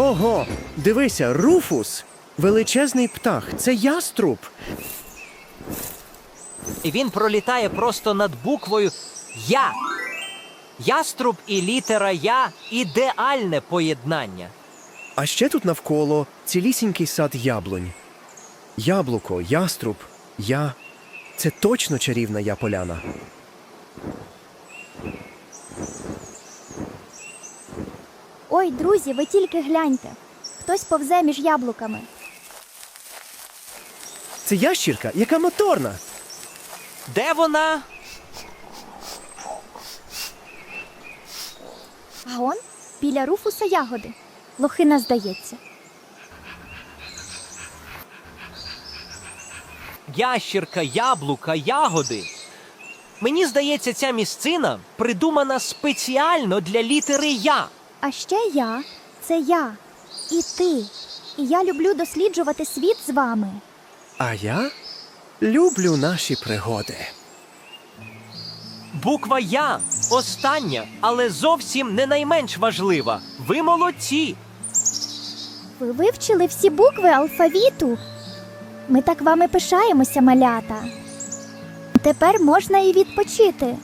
Ого, дивися, Руфус! Величезний птах, це яструб. І він пролітає просто над буквою «Я». Яструб і літера «Я» – ідеальне поєднання. А ще тут навколо цілісінький сад яблунь. Яблуко, яструб, я. Це точно чарівна я-поляна. Ой, друзі, ви тільки гляньте. Хтось повзе між яблуками. Це ящірка, яка моторна. Де вона? А он біля Руфуса ягоди. Лохина, здається. Ящірка, яблука, ягоди. Мені здається, ця місцина придумана спеціально для літери «Я». А ще я – це я. І ти. І я люблю досліджувати світ з вами. А я люблю наші пригоди. Буква «Я» – остання, але зовсім не найменш важлива. Ви молодці! Ви вивчили всі букви алфавіту? Ми так вами пишаємося, малята. Тепер можна і відпочити.